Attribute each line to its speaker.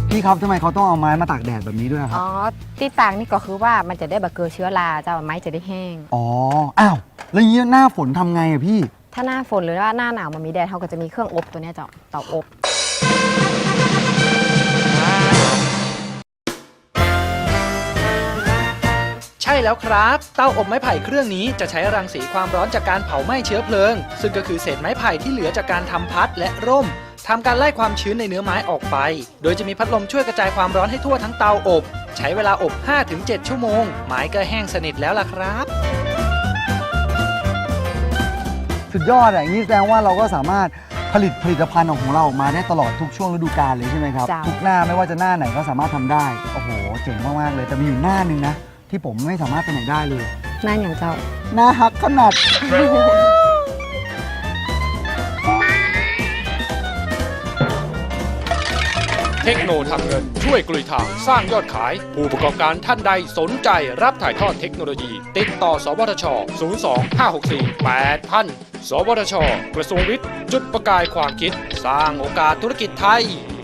Speaker 1: พี่ครับทำไมเขาต้องเอาไม้มาตากแดดแบบนี้ด้วยครับ
Speaker 2: อ๋อที่ต่างนี่ก็คือว่ามันจะได้แบบเกิดเชื้อราเจ้าไม้จะได้แห้ง
Speaker 1: อ๋ออ้าวแล้วอย่างนี้หน้าฝนทำไงอะพี่
Speaker 2: ถ้าหน้าฝนหรือว่าหน้าหนาวมันมีแดดเขาก็จะมีเครื่องอบตัวนี้เจ้าเตาอบ
Speaker 3: ใช่แล้วครับเตาอบไม้ไผ่เครื่องนี้จะใช้รังสีความร้อนจากการเผาไหม้เชื้อเพลิงซึ่งก็คือเศษไม้ไผ่ที่เหลือจากการทำพัดและร่มทำการไล่ความชื้นในเนื้อไม้ออกไปโดยจะมีพัดลมช่วยกระจายความร้อนให้ทั่วทั้งเตาอบใช้เวลาอบ 5-7 ชั่วโมงไม้ก็แห้งสนิทแล้วล่ะครับ
Speaker 1: สุดยอดอย่างนี้แสดงว่าเราก็สามารถผลิตภัณฑ์ของเราออกมาได้ตลอดทุกช่วงฤดูกาลเลยใช่ไหมครับทุกหน้าไม่ว่าจะหน้าไหนก็สามารถทำได้โอ้โหเจ๋งมากๆเลยแต่มีอยู่หน้านึงนะที่ผมไม่สามารถไปไหนได้เลย
Speaker 2: หน้าอย่างเจ้า
Speaker 1: หน้าฮักขนาด
Speaker 4: เทคโนทำเงินช่วยกลุยทางสร้างยอดขายผู้ประกอบการท่านใดสนใจรับถ่ายทอดเทคโนโลยีติดต่อสวทช 02-564-8000 สวทช กระทรวงวิทย์จุดประกายความคิดสร้างโอกาสธุรกิจไทย